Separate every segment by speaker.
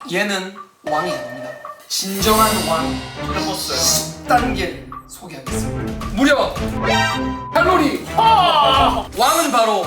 Speaker 1: 얘는 왕이 아닙니다. 진정한 왕
Speaker 2: 들어봤어요.
Speaker 1: 10단계를 소개하겠습니다. 무려 칼로리 왕은 바로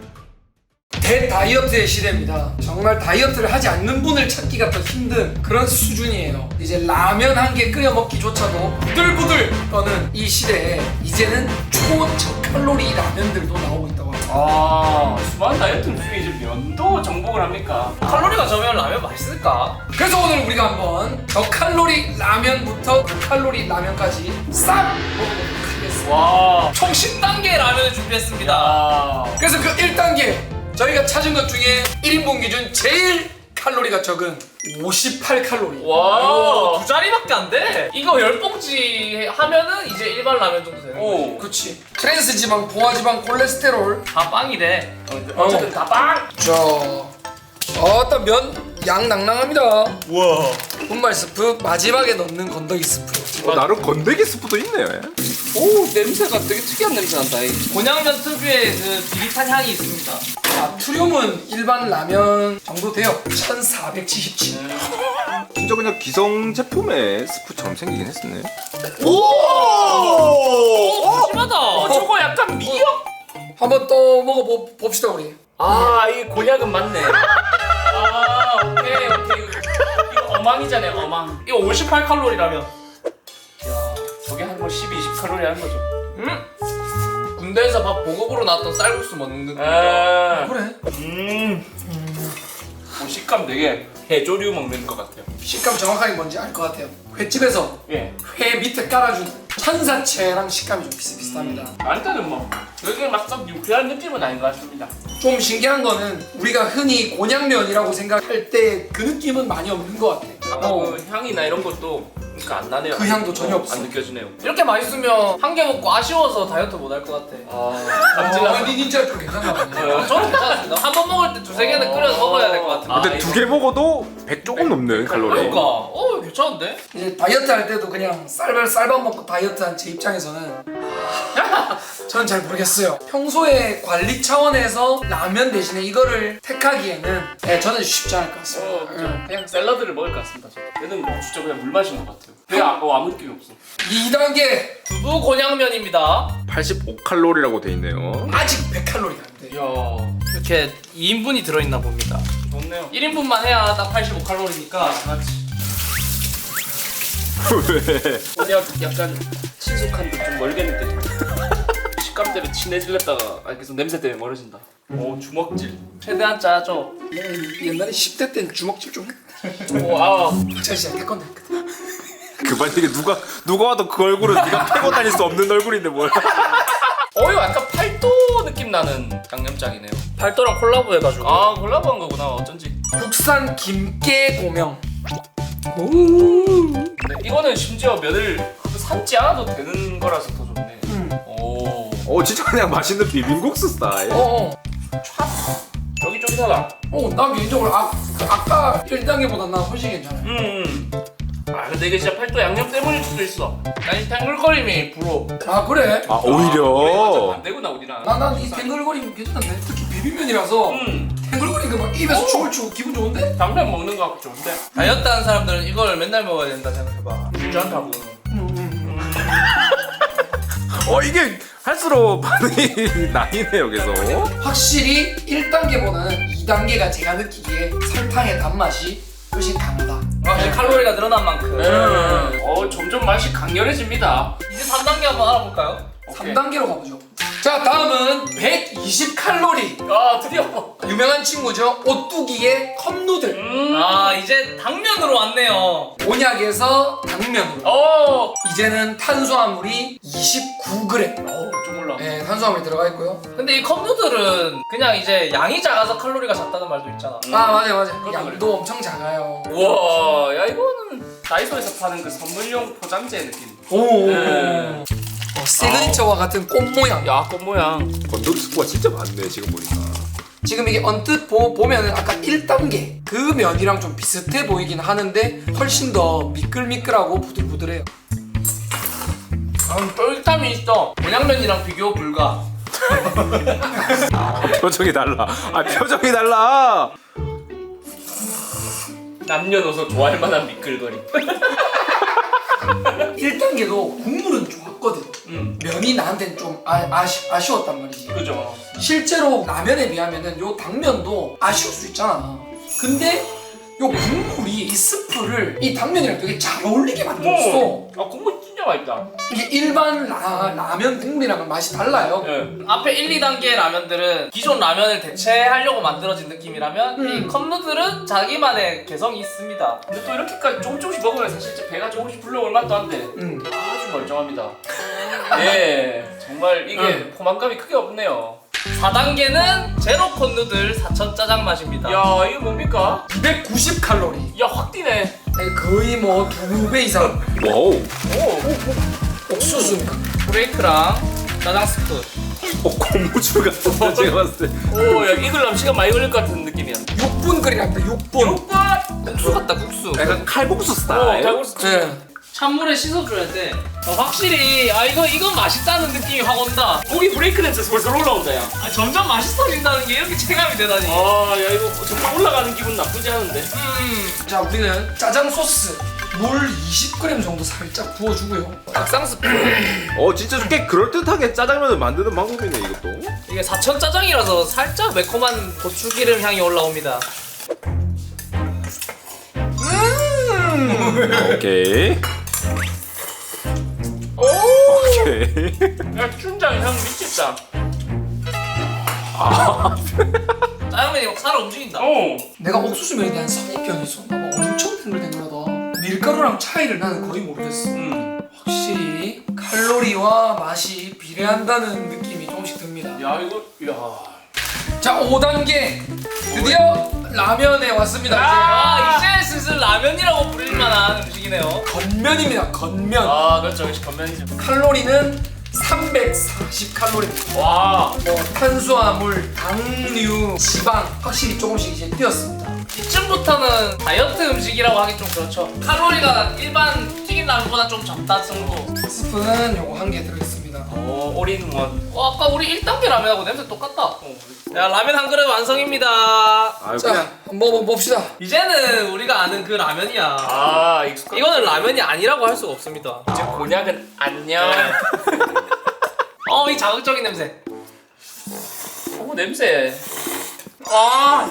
Speaker 1: 대다이어트의 시대입니다. 정말 다이어트를 하지 않는 분을 찾기가 더 힘든 그런 수준이에요. 이제 라면 한 개 끓여 먹기조차도 부들부들 떠는 이 시대에 이제는 초저칼로리 라면들도 나오고 있다고 합니다.
Speaker 2: 아, 수많은 다이어트 중에 이제 면도 정복을 합니까?
Speaker 3: 칼로리가 적으면 라면 맛있을까?
Speaker 1: 그래서 오늘 우리가 한번 저칼로리 라면부터 고칼로리 라면까지 싹 먹어보도록 하겠습니다.
Speaker 2: 와.
Speaker 3: 총 10단계 라면을 준비했습니다.
Speaker 2: 야.
Speaker 1: 그래서 그 1단계 저희가 찾은 것 중에 1인분 기준 제일 칼로리가 적은 58칼로리.
Speaker 3: 와, 두 자리밖에 안 돼. 이거 10봉지 하면은 이제 일반 라면 정도 되는 거지.
Speaker 2: 오.
Speaker 1: 그렇지. 트랜스 지방, 포화 지방, 콜레스테롤.
Speaker 3: 다 빵이래.
Speaker 2: 어쨌든 다 빵.
Speaker 1: 자, 어떤 면 양 낭낭합니다.
Speaker 4: 우와.
Speaker 1: 분말 스프 마지막에 넣는 건더기 스프.
Speaker 4: 나름 건더기 스프도 있네.
Speaker 2: 오, 냄새가 되게 특이한 냄새 난다.
Speaker 3: 곤양면 특유의 그 비릿한 향이 있습니다.
Speaker 1: 나트륨은 일반 라면 정도 돼요. 1477.
Speaker 4: 진짜 그냥 기성 제품의 스프처럼 생기긴 했었네.
Speaker 3: 오, 심하다.
Speaker 2: 저거 약간 미역.
Speaker 1: 한번 또 먹어봅시다 우리.
Speaker 2: 아, 이 곤약은 맞네. 아, 오케이. 이거 어망이잖아요, 어망.
Speaker 3: 이거 58칼로리라면.
Speaker 2: 야, 저게 한 뭐 12, 20칼로리 하는 거죠.
Speaker 3: 군대에서 밥 보급으로 나왔던 쌀국수 먹는 느낌.
Speaker 2: 아,
Speaker 1: 그래.
Speaker 2: 식감 되게 해조류 먹는 것 같아요.
Speaker 1: 식감 정확하게 뭔지 알 것 같아요. 횟집에서
Speaker 2: 예.
Speaker 1: 회 밑에 깔아준 천사채랑 식감이 좀 비슷비슷합니다.
Speaker 2: 일단은 뭐 여기 막썩 유쾌한 느낌은 아닌 것 같습니다.
Speaker 1: 좀 신기한 거는 우리가 흔히 곤양면이라고 생각할 때 그 느낌은 많이 없는 것 같아.
Speaker 2: 아까 그 향이나 이런 것도 그러니까 안 나네요.
Speaker 1: 그 향도 전혀 없어.
Speaker 2: 안 느껴지네요.
Speaker 3: 이렇게 맛있으면 한 개 먹고 아쉬워서 다이어트 못 할 것 같아.
Speaker 1: 니 진짜 좀 괜찮나 보네.
Speaker 3: 저는 괜찮습니다. 한 번 먹을 때 두세 개는 끓여서 먹어야 될 것 같은데.
Speaker 2: 아,
Speaker 4: 근데 두 개 먹어도 100 조금 넘는 칼로리.
Speaker 3: 그러니까, 괜찮은데?
Speaker 1: 이제 다이어트 할 때도 그냥 쌀밥 먹고 다이어트한 제 입장에서는 저는 잘 모르겠어요. 평소에 관리 차원에서 라면 대신에 이거를 택하기에는 저는 쉽지 않을 것 같습니다.
Speaker 2: 그냥 샐러드를 먹을 것 같습니다. 얘는 뭐 진짜 그냥 물 마신 것 같아요. 배에 아무 느낌이 없어.
Speaker 1: 2단계
Speaker 3: 두부 곤양면입니다.
Speaker 4: 85칼로리라고 돼 있네요.
Speaker 1: 아직 100칼로리가 안 돼.
Speaker 2: 이야,
Speaker 3: 이렇게 2인분이 들어있나 봅니다.
Speaker 2: 좋네요.
Speaker 3: 1인분만 해야 딱 85칼로리니까 같이.
Speaker 4: 왜?
Speaker 2: 그냥 약간 친숙한 듯 좀 멀게 느껴져. 식감 때문에 친해질랬다가 계속 냄새 때문에 멀어진다. 오, 주먹질.
Speaker 3: 최대한 짜죠.
Speaker 1: 옛날에 10대 때는 주먹질 좀 했.
Speaker 2: 오, 아,
Speaker 1: 제가 진짜 태권도 했거든.
Speaker 4: 그만 이게 누가 와도 그 얼굴은 네가 패고 다닐 수 없는 얼굴인데 뭘?
Speaker 2: 이거 약간 팔도 느낌 나는 양념장이네요.
Speaker 3: 팔도랑 콜라보 해가지고.
Speaker 2: 아, 콜라보한 거구나. 어쩐지.
Speaker 1: 국산 김깨 고명.
Speaker 2: 근데 이거는 심지어 면을 삶지 않아도 되는 거라서 더 좋네. 오,
Speaker 4: 진짜 그냥 맛있는 비빔국수 스타일.
Speaker 2: 쫄깃쫄깃하다.
Speaker 1: 나 개인적으로 아까 1단계보다 나 훨씬 괜찮아요.
Speaker 2: 아, 근데 이게 진짜 팔도 양념 때문일 수도 있어.
Speaker 3: 난 이 탱글거림이 불어.
Speaker 1: 아 그래?
Speaker 4: 아
Speaker 2: 완전
Speaker 4: 오히려.
Speaker 2: 반대구나 우리랑.
Speaker 1: 난이 탱글거림 괜찮은데 특히 비빔면이라서 탱글거리는 거 막 입에서 춤을 추고 기분 좋은데?
Speaker 2: 당면 먹는 거 같고 좋은데.
Speaker 3: 다이어트 하는 사람들은 이걸 맨날 먹어야 된다 생각해봐.
Speaker 2: 괜찮다고.
Speaker 4: 이게 할수록 반응이 나이네요 계속.
Speaker 1: 확실히 1단계보다는 2단계가 제가 느끼기에 설탕의 단맛이 훨씬 강하다.
Speaker 3: 확실히 칼로리가 늘어난 만큼.
Speaker 2: 점점 맛이 강렬해집니다.
Speaker 3: 이제 3단계 한번 알아볼까요?
Speaker 1: 3단계로 가보죠. 자 다음은 120칼로리
Speaker 2: 아, 드디어.
Speaker 1: 유명한 친구죠. 오뚜기의 컵누들.
Speaker 3: 이제 당면으로 왔네요.
Speaker 1: 곤약에서 당면으로.
Speaker 2: 오,
Speaker 1: 이제는 탄수화물이 29g.
Speaker 2: 좀 올라.
Speaker 1: 네, 탄수화물이 들어가 있고요.
Speaker 3: 근데 이 컵누들은 그냥 이제 양이 작아서 칼로리가 작다는 말도 있잖아.
Speaker 1: 맞아. 양도 엄청 작아요.
Speaker 2: 우와, 야 이거는 다이소에서 파는 그 선물용 포장재 느낌.
Speaker 1: 오.
Speaker 2: 네.
Speaker 1: 시그니처와 같은 꽃 모양.
Speaker 2: 야, 꽃 모양.
Speaker 4: 건더기 스프가 진짜 많네 지금 보니까.
Speaker 1: 지금 이게 언뜻 보면은 아까 1단계 그 면이랑 좀 비슷해 보이긴 하는데 훨씬 더 미끌미끌하고 부들부들해요.
Speaker 3: 쫄깃함이 있어. 곤양면이랑 비교 불가.
Speaker 4: 표정이 달라. 표정이 달라.
Speaker 2: 남녀노소 좋아할 만한 미끌거림.
Speaker 1: 1단계도 국물은 좋았거든. 면이 나한테는 좀 아쉬웠단 말이지.
Speaker 2: 그죠.
Speaker 1: 실제로 라면에 비하면은 요 당면도 아쉬울 수 있잖아. 근데 요 국물이 이 스프를 이 당면이랑 되게 잘 어울리게 만들었어.
Speaker 2: 아 국물 진짜 맛있다.
Speaker 1: 이게 일반 라면 국물이랑은 맛이 달라요.
Speaker 2: 예.
Speaker 3: 앞에 1, 2단계 라면들은 기존 라면을 대체하려고 만들어진 느낌이라면 이 컵누들은 자기만의 개성이 있습니다.
Speaker 2: 근데 또 이렇게까지 조금씩 먹으면 사실 진짜 배가 조금씩 불러올 맛도 한데 아주 멀쩡합니다. 예, 정말 이게 포만감이 크게 없네요.
Speaker 3: 4단계는 제로 컵누들 4천 짜장 맛입니다.
Speaker 2: 야 이거 뭡니까?
Speaker 1: 290칼로리.
Speaker 2: 야 확 뛰네.
Speaker 1: 거의 뭐 2배 이상
Speaker 4: 와우.
Speaker 2: 오.
Speaker 1: 옥수수니까.
Speaker 3: 브레이크랑 짜장 스프.
Speaker 4: 고무줄 같은데 제가 봤을 때.
Speaker 2: 오, 야 익으려면 시간 많이 걸릴 것 같은 느낌이야.
Speaker 1: 6분 끓이랍니다. 6분.
Speaker 3: 국수 같다 국수.
Speaker 4: 약간 칼국수 스타일.
Speaker 2: 달고스.
Speaker 1: 네.
Speaker 3: 찬물에 씻어줘야 돼. 확실히 이건 맛있다는 느낌이 확 온다.
Speaker 2: 고기 브레이크 냄새 솔솔 올라온다 야.
Speaker 3: 점점 맛있어진다는 게 이렇게 체감이 되다니.
Speaker 2: 야 이거 정말 올라가는 기분 나쁘지 않은데.
Speaker 1: 자, 우리는 짜장 소스 물 20g 정도 살짝 부어주고요.
Speaker 3: 닭상 스프.
Speaker 4: 진짜 꽤 그럴듯하게 짜장면을 만드는 방법이네 이것도.
Speaker 3: 이게 4천 짜장이라서 살짝 매콤한 고추기름 향이 올라옵니다.
Speaker 4: 오케이.
Speaker 2: 오.
Speaker 4: 오케이.
Speaker 2: 야 춘장 향 미쳤다.
Speaker 3: 짜장면이 막 살아 움직인다.
Speaker 1: 내가 옥수수면에 대한 선입견이 있었나 봐. 엄청 탱글탱글하다. 밀가루랑 차이를 나는 거의 모르겠어. 확실히 칼로리와 맛이 비례한다는 느낌이 조금씩 듭니다.
Speaker 2: 야 이거 야.
Speaker 1: 자, 5단계 드디어 라면에 왔습니다.
Speaker 3: 이제 슬슬 라면이라고 부릴 만한 음식이네요.
Speaker 1: 이제 건면입니다. 건면.
Speaker 2: 아 그렇죠 역시 건면이죠.
Speaker 1: 칼로리는 340칼로리입니다.
Speaker 2: 와.
Speaker 1: 뭐 탄수화물, 당류, 지방 확실히 조금씩 이제 뛰었습니다.
Speaker 3: 이쯤부터는 다이어트 음식이라고 하기 좀 그렇죠. 칼로리가 일반 튀긴 라면보다 좀 적다 정도.
Speaker 1: 스프는 요거 한 개 들어있습니다.
Speaker 2: 오 올인원.
Speaker 3: 아까 우리 1단계 라면하고 냄새 똑같다. 야 라면 한 그릇 완성입니다.
Speaker 4: 아유
Speaker 1: 자,
Speaker 4: 그냥
Speaker 1: 한번 먹어봅시다.
Speaker 3: 이제는 우리가 아는 그 라면이야.
Speaker 2: 아 익숙한.
Speaker 3: 이거는 라면이 아니라고 할 수가 없습니다.
Speaker 2: 이제 곤약은 안녕.
Speaker 3: 이 자극적인 냄새.
Speaker 2: 오 냄새. 아.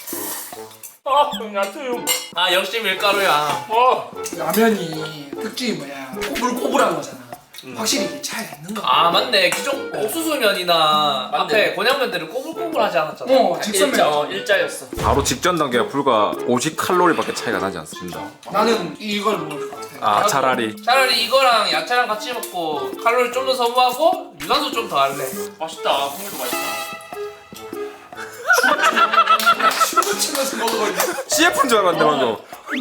Speaker 2: 야트요.
Speaker 3: 역시 밀가루야.
Speaker 1: 라면이 특징이 뭐야? 꼬불꼬불한 거잖아. 확실히 이게 차이가 있는 거.
Speaker 3: 맞네. 기존 옥수수면이나
Speaker 2: 맞네.
Speaker 3: 앞에 곤약면들은 꼬불꼬불하지 않았잖아.
Speaker 1: 직선면.
Speaker 2: 일자였어.
Speaker 4: 바로 직전 단계가 불과 50칼로리밖에 차이가 나지 않습니다.
Speaker 1: 나는 이걸 먹을 것 같아.
Speaker 4: 차라리
Speaker 3: 차라리 이거랑 야채랑 같이 먹고 칼로리 좀 더 소모하고 유산소 좀 더 할래.
Speaker 2: 맛있다. 국물도 맛있다.
Speaker 1: 춤을 추면서 먹어버리네.
Speaker 4: CF인 줄 알았는데 방금.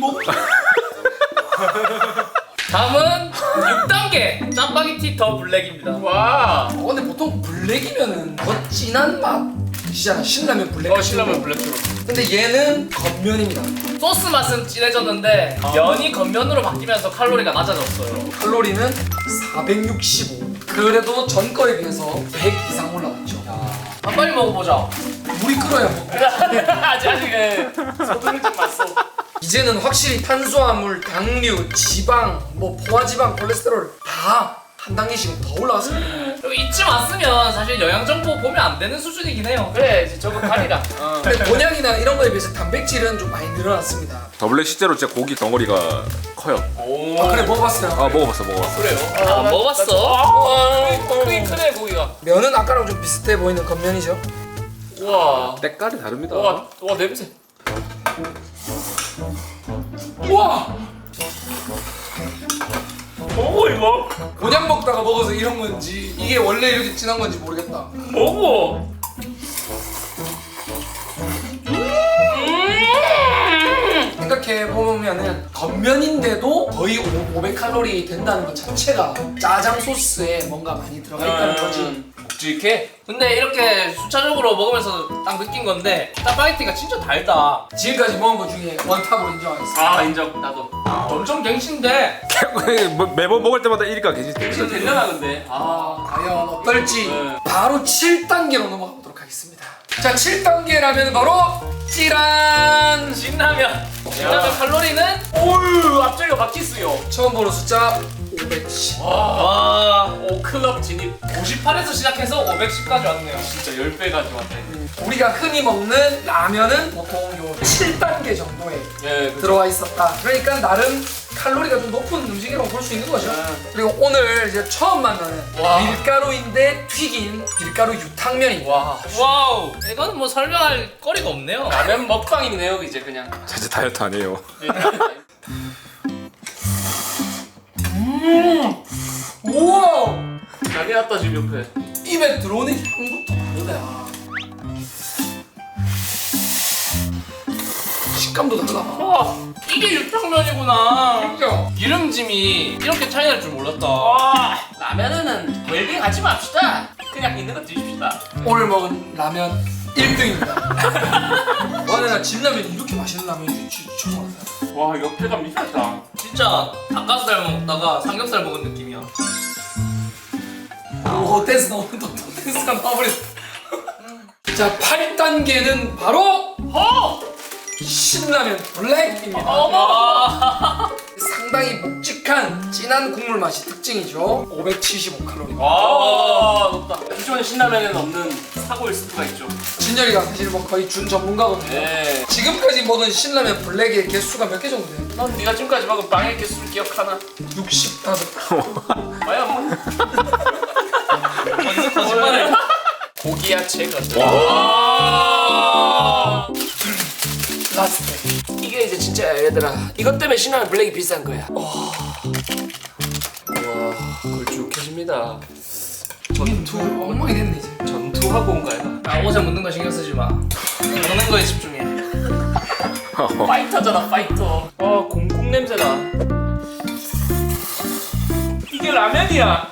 Speaker 3: 다음은 6단계 짜파게티 더 블랙입니다.
Speaker 2: 와.
Speaker 1: 근데 보통 블랙이면은 더 진한 맛이잖아. 신라면 블랙.
Speaker 2: 신라면 블랙으로.
Speaker 1: 근데 얘는 겉면입니다.
Speaker 3: 소스 맛은 진해졌는데 면이 겉면으로 바뀌면서 칼로리가 낮아졌어요.
Speaker 1: 칼로리는 465. 그래도 전 거에 비해서 100 이상 올라갔죠.
Speaker 3: 빨리 먹어보자.
Speaker 1: 물이 끓어야 먹고.
Speaker 2: 아직 소금을 좀 맛어.
Speaker 1: 이제는 확실히 탄수화물, 당류, 지방, 뭐 포화지방, 콜레스테롤 다 한 단계씩 더 올라왔습니다.
Speaker 3: 그리고 이쯤 왔으면 사실 영양 정보 보면 안 되는 수준이긴 해요.
Speaker 2: 그래 이제 저거 가리라.
Speaker 1: 근데 곤약이나 이런 거에 비해서 단백질은 좀 많이 늘어났습니다.
Speaker 4: 더블랙 실제로 진짜 고기 덩어리가 커요.
Speaker 2: 오.
Speaker 1: 그래 먹어봤어요.
Speaker 4: 먹어봤어.
Speaker 2: 그래요?
Speaker 3: 먹어봤어?
Speaker 2: 크긴 크네 고기가.
Speaker 1: 면은 아까랑 좀 비슷해 보이는 겉면이죠.
Speaker 2: 우와.
Speaker 4: 때깔이 다릅니다.
Speaker 2: 와 냄새.
Speaker 1: 우와!
Speaker 2: 먹어 이거.
Speaker 1: 곤약 먹다가 먹어서 이런 건지 이게 원래 이렇게 진한 건지 모르겠다.
Speaker 2: 먹어.
Speaker 1: 생각해보면은 겉면인데도 거의 500칼로리 된다는 것 자체가 짜장 소스에 뭔가 많이 들어가 있다는 거지.
Speaker 2: 묵직해.
Speaker 3: 근데 이렇게 수차적으로 먹으면서 딱 느낀 건데 짜파게티가 진짜 달다.
Speaker 1: 지금까지 먹은 것 중에 원탑으로 인정하겠습니다.
Speaker 2: 아 인정 나도.
Speaker 3: 점점 갱신돼.
Speaker 4: 매번 먹을 때마다 1위가 계시
Speaker 2: 지금 됐려나 근데.
Speaker 1: 과연 어떨지
Speaker 2: 네.
Speaker 1: 바로 7단계로 넘어가 보도록 하겠습니다. 자 7단계 라면은 바로 찌란.
Speaker 3: 진라면. 진라면 칼로리는
Speaker 2: 오유 앞자리가 바뀌었어요.
Speaker 1: 처음 보는 숫자 510.
Speaker 3: 와
Speaker 2: 오 클럽 진입.
Speaker 3: 58에서 시작해서 510까지 왔네요.
Speaker 2: 진짜 10배 가져왔네.
Speaker 1: 우리가 흔히 먹는 라면은 보통 요 7단계 정도에
Speaker 2: 예, 그쵸.
Speaker 1: 들어와 있었다. 그러니까 나름 칼로리가 좀 높은 음식이라고 볼 수 있는 거죠. 그리고 오늘 이제 처음 만나는
Speaker 3: 와.
Speaker 1: 밀가루인데 튀긴 밀가루 유탕면입니다.
Speaker 2: 와
Speaker 3: 와우. 이거는 뭐 설명할 거리가 없네요.
Speaker 2: 라면 먹방이네요 이제 그냥.
Speaker 4: 자체 다이어트 아니에요.
Speaker 1: 우와!
Speaker 2: 난리 났다 지금 옆에.
Speaker 1: 입에 들어오는 향부터 다르다. 식감도 달라.
Speaker 3: 와 이게 육탕면이구나.
Speaker 1: 진짜.
Speaker 3: 기름짐이 이렇게 차이 날 줄 몰랐다.
Speaker 2: 와 라면은 웰빙 하지 맙시다. 그냥 있는 거 드십시다.
Speaker 1: 오늘 먹은 라면 1등입니다. 와, 내가 진라면이 이렇게 맛있는 라면인 줄 처음 알았어요.
Speaker 2: 와 옆에가 미쳤다.
Speaker 3: 진짜 닭가슴살 먹다가 삼겹살 먹은 느낌이야.
Speaker 1: 오, 댄스 나오는 또 댄스가 나와버렸어. 자, 8단계는 바로 신라면 블랙입니다.
Speaker 3: 어머.
Speaker 1: 상당히 묵직한 진한 국물 맛이 특징이죠. 575칼로리.
Speaker 2: 와 높다. 기존 신라면에는 없는 사고일 수가 있죠.
Speaker 1: 진열이가 사실 뭐 거의 준 전문가거든요.
Speaker 2: 네.
Speaker 1: 지금까지 먹은 신라면 블랙의 개수가 몇 개 정도 돼요?
Speaker 2: 넌 네가 지금까지 먹은 빵의 개수를 기억하나?
Speaker 1: 65.
Speaker 2: 과연 뭐?
Speaker 3: 거짓말을.
Speaker 2: 고기 야채가.
Speaker 1: 라스트.
Speaker 2: 이게 이제 진짜 얘들아. 이것 때문에 신라면 블랙이 비싼 거야. 와 걸쭉해집니다.
Speaker 1: 전투 엉망이 됐네 이제.
Speaker 2: 전투 학원가요?
Speaker 3: 아, 옷에 묻는 거 신경 쓰지 마. 먹는 거에 집중해.
Speaker 2: 파이터잖아 파이터. 와 공국 냄새나. 이게 라면이야.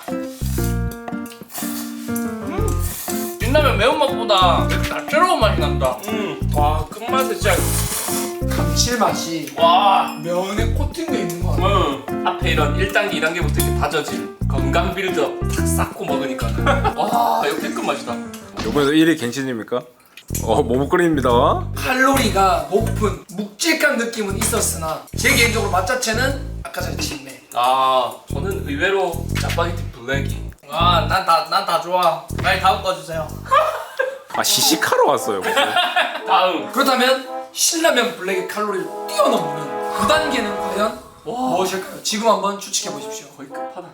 Speaker 3: 진라면 매운맛보다 짭조름한 맛이 난다.
Speaker 2: 와 끝맛에 진짜.
Speaker 1: 감칠맛이
Speaker 3: 와.
Speaker 1: 면에 코팅돼 있는 거 같아.
Speaker 2: 앞에 이런 1단계 2단계부터 이렇게 다져진 건강 빌드업 탁 쌓고 먹으니까. 와 이거 끝 맛이다.
Speaker 4: 이번에도 1위 갱신입니까? 모모끓입니다.
Speaker 1: 칼로리가 높은 묵직한 느낌은 있었으나 제 개인적으로 맛 자체는 아까 전에 진매.
Speaker 2: 아 저는 의외로 짜파게티 블랙이.
Speaker 3: 아, 난 다 좋아. 빨리 다음 거 주세요.
Speaker 4: 아 시식하러 왔어요. 무슨.
Speaker 2: 다음.
Speaker 1: 그렇다면 신라면 블랙의 칼로리를 뛰어넘는 9단계는 과연 무엇일까요? 지금 한번 추측해 보십시오.
Speaker 2: 거의 끝판왕.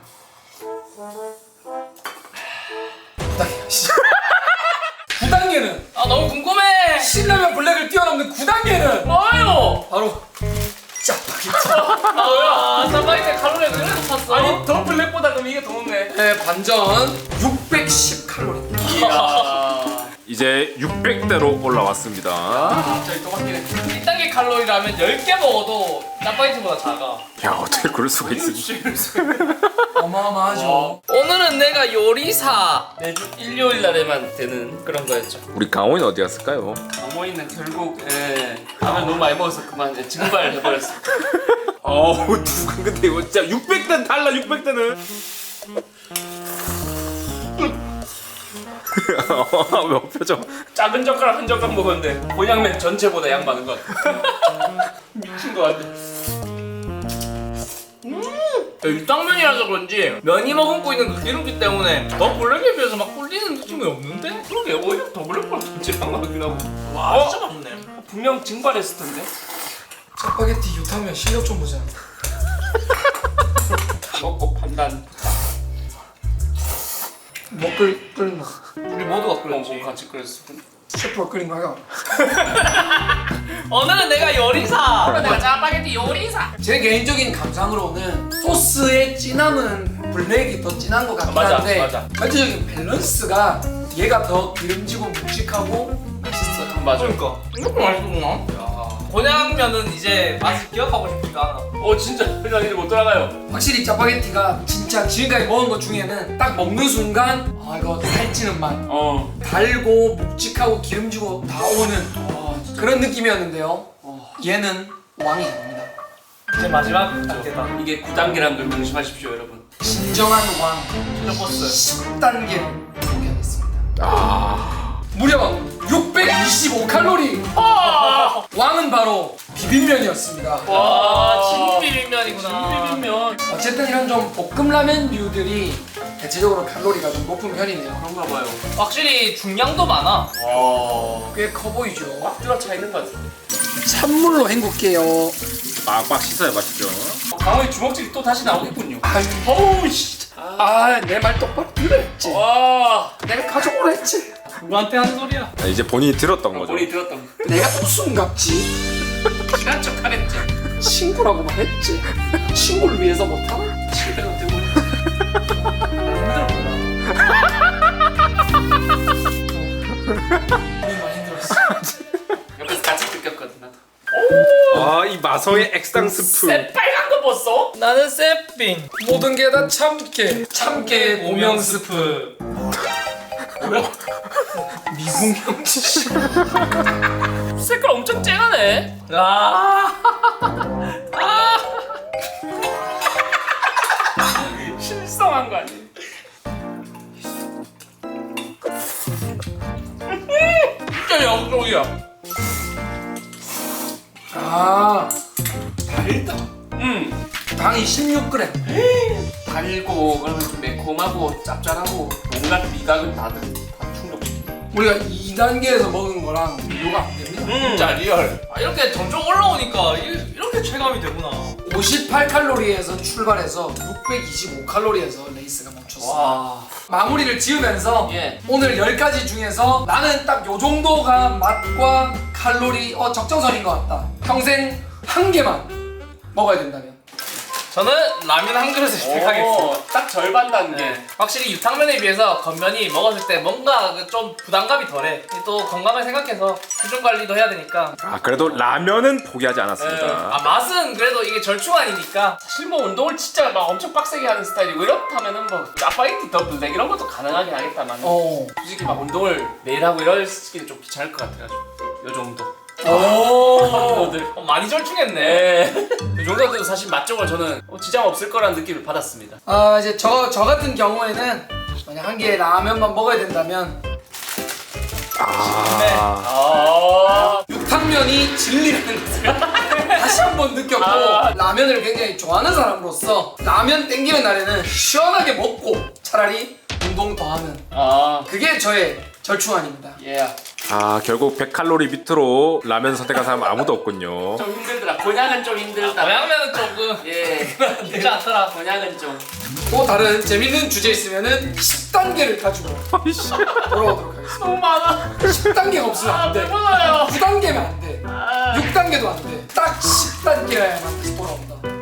Speaker 1: 9단계. 9단계는
Speaker 3: 아, 너무 궁금해.
Speaker 1: 신라면 블랙을 뛰어넘는 9단계는
Speaker 3: 뭐요?
Speaker 1: 바로 짜파게티.
Speaker 3: 아, 짜파게티 칼로리가 그래 높았어.
Speaker 2: 아니 더 블랙보다 그럼 이게 더 높네.
Speaker 1: 네, 반전 610칼로리.
Speaker 2: 이야.
Speaker 4: 이제 600대로 올라왔습니다.
Speaker 2: 갑자기 또 바뀌네.
Speaker 3: 1단계 칼로리라면 10개 먹어도 짜파게티보다 작아.
Speaker 4: 야 어떻게 그럴 수가 있을지.
Speaker 1: 어마어마하죠.
Speaker 3: 오늘은 내가 요리사.
Speaker 2: 매주 일요일 날에만 되는 그런 거였죠.
Speaker 4: 우리 강호인 어디 갔을까요?
Speaker 2: 어머니는 결국 라면 너무 많이 먹어서 그만 증발해버렸어.
Speaker 4: 어우 누가 근데 이거 진짜 600대는 달라 600대는. 왜 표정?
Speaker 2: 작은 젓가락 한 젓가락 먹었는데 곤약면 전체보다 양 많은 것 같아. 미친 것 같아.
Speaker 3: 육탕면이라서 그런지 면이 머금고 있는 그 기름기 때문에 더 블랙에 비해서 막 꿀리는 느낌이 없는데?
Speaker 2: 그러게 오히려 더 블랙보다 전체랑 많긴 하고.
Speaker 3: 와, 진짜 맛있네.
Speaker 2: 분명 증발했을 텐데.
Speaker 1: 짜파게티 유탕면 실력 좀 보자.
Speaker 2: 먹고 판단.
Speaker 1: 뭐 끓나?
Speaker 3: 우리 모두가 끓였지.
Speaker 2: 같이 끓였을 텐데.
Speaker 1: 셰프가 끓인 거야.
Speaker 3: 오늘은 내가 요리사.
Speaker 2: 내가 짜파게티 요리사.
Speaker 1: 제 개인적인 감상으로는 소스의 진함은 블랙이 더 진한 것 같긴
Speaker 2: 맞아,
Speaker 1: 한데
Speaker 2: 맞아.
Speaker 1: 전체적인 밸런스가 얘가 더 기름지고 묵직하고 맛있어요.
Speaker 2: 맞아.
Speaker 3: 그러니까 이렇게 맛있구나. 곤약면은 이제 맛을 기억하고 싶지가 않아.
Speaker 2: 진짜 그냥 이제 못 돌아가요.
Speaker 1: 확실히 짜파게티가 진짜 지금까지 먹은 것 중에는 딱 먹는 순간 이거 살찌는 맛, 달고 묵직하고 기름지고 다 오는 그런 느낌이었는데요. 얘는 왕이 아닙니다.
Speaker 3: 이제 마지막 단계다.
Speaker 2: 이게 9단계라는 걸 명심하십시오 여러분.
Speaker 1: 진정한 왕
Speaker 3: 최종 버스.
Speaker 1: 10단계를 소개하겠습니다. 무려 600 625칼로리. 왕은 바로 비빔면이었습니다.
Speaker 3: 와, 진비빔면이구나.
Speaker 2: 비빔면
Speaker 1: 어쨌든 이런 좀 볶음라면류들이 대체적으로 칼로리가 좀 높은 편이네요.
Speaker 2: 그런가 봐요.
Speaker 3: 확실히 중량도 많아.
Speaker 2: 와,
Speaker 1: 꽤 커 보이죠.
Speaker 2: 꽉 들어차 있는 것 같아.
Speaker 1: 찬물로 헹굴게요.
Speaker 4: 빡빡 씻어야 맛있죠.
Speaker 2: 강호의 주먹질이 또 다시 나오겠군요.
Speaker 1: 아유,
Speaker 2: 어우 진짜.
Speaker 1: 내 말 똑바로 들었지.
Speaker 2: 와,
Speaker 1: 내가 가져오라 했지.
Speaker 3: 누구한테 하는 소리야?
Speaker 4: 아, 이제 본인이 들었던 거죠.
Speaker 2: 우리 들었던 거.
Speaker 1: 내가 무슨 갑지?
Speaker 2: 친한 척 하랬지.
Speaker 1: 친구라고만 했지. 친구를 위해서 못하나?
Speaker 2: 실대로 들고.
Speaker 1: 많이 힘들었어.
Speaker 2: 옆에서 같이 느꼈거든 나도.
Speaker 4: 아, 이 마성의 액상 스프.
Speaker 2: 쎄 빨간 거 봤어?
Speaker 3: 나는 쎄빙.
Speaker 1: 모든 게 다 참깨. 참깨 오명 스프. 미궁 형지.
Speaker 2: 색깔 엄청 쨍하네.
Speaker 3: 아.
Speaker 2: 실성한 거 아니야?
Speaker 3: 진짜 영종이야.
Speaker 1: 달다. 당이 16g.
Speaker 2: 달고 그러면 좀 매콤하고 짭짤하고 온갖 미각은 다 충족시켜.
Speaker 1: 우리가 2단계에서 먹은 거랑 비교가 안 됩니다.
Speaker 2: 진짜 리얼.
Speaker 3: 이렇게 점점 올라오니까 이렇게 체감이 되구나.
Speaker 1: 58칼로리에서 출발해서 625칼로리에서 레이스가 멈췄어.
Speaker 2: 와.
Speaker 1: 마무리를 지으면서
Speaker 2: 예.
Speaker 1: 오늘 10가지 중에서 나는 딱 요 정도가 맛과 칼로리 적정선인 것 같다. 평생 한 개만 먹어야 된다면.
Speaker 3: 저는 라면 한 그릇을 택하겠습니다.
Speaker 2: 딱 절반 단계.
Speaker 3: 네. 확실히 유탕면에 비해서 겉면이 먹었을 때 뭔가 좀 부담감이 덜해. 또 건강을 생각해서 수분 관리도 해야 되니까.
Speaker 4: 아, 그래도 라면은 포기하지 않았습니다.
Speaker 3: 아, 맛은 그래도 이게 절충안이니까.
Speaker 2: 사실 뭐 운동을 진짜 막 엄청 빡세게 하는 스타일이고 이렇다면은 뭐 짜파게티 더블랙 이런 것도 가능하긴 하겠다만 솔직히 막 운동을 매일 하고 이러기는 좀 귀찮을 것 같아가지고 요 정도. 정도들.
Speaker 3: 많이 절충했네.
Speaker 2: 네. 이 정도도 사실 맛적으로 저는 지장 없을 거라는 느낌을 받았습니다.
Speaker 1: 이제 저 같은 경우에는 만약 한 개의 라면만 먹어야 된다면 육탕면이 진리라는 것을 다시 한번 느꼈고 라면을 굉장히 좋아하는 사람으로서 라면 땡기는 날에는 시원하게 먹고 차라리 운동 더 하는 그게 저의 절충안입니다.
Speaker 2: 예.
Speaker 4: 아, 결국 100칼로리 밑으로 라면 선택한 사람 아무도 없군요.
Speaker 2: 좀 힘들더라. 곤약은 좀 힘들다.
Speaker 3: 모양면은 조금
Speaker 2: 예.
Speaker 3: 쉽지 않더라.
Speaker 2: 곤약은 좀.
Speaker 1: 또 다른 재밌는 주제 있으면은 10단계를 가지고 돌아오도록 하겠습니다.
Speaker 2: 너무 많아.
Speaker 1: 10단계가 없으면 안 돼.
Speaker 2: 배불러요.
Speaker 1: 9단계면 안 돼. 6단계도 안 돼. 딱 10단계여야만 다시 돌아온다.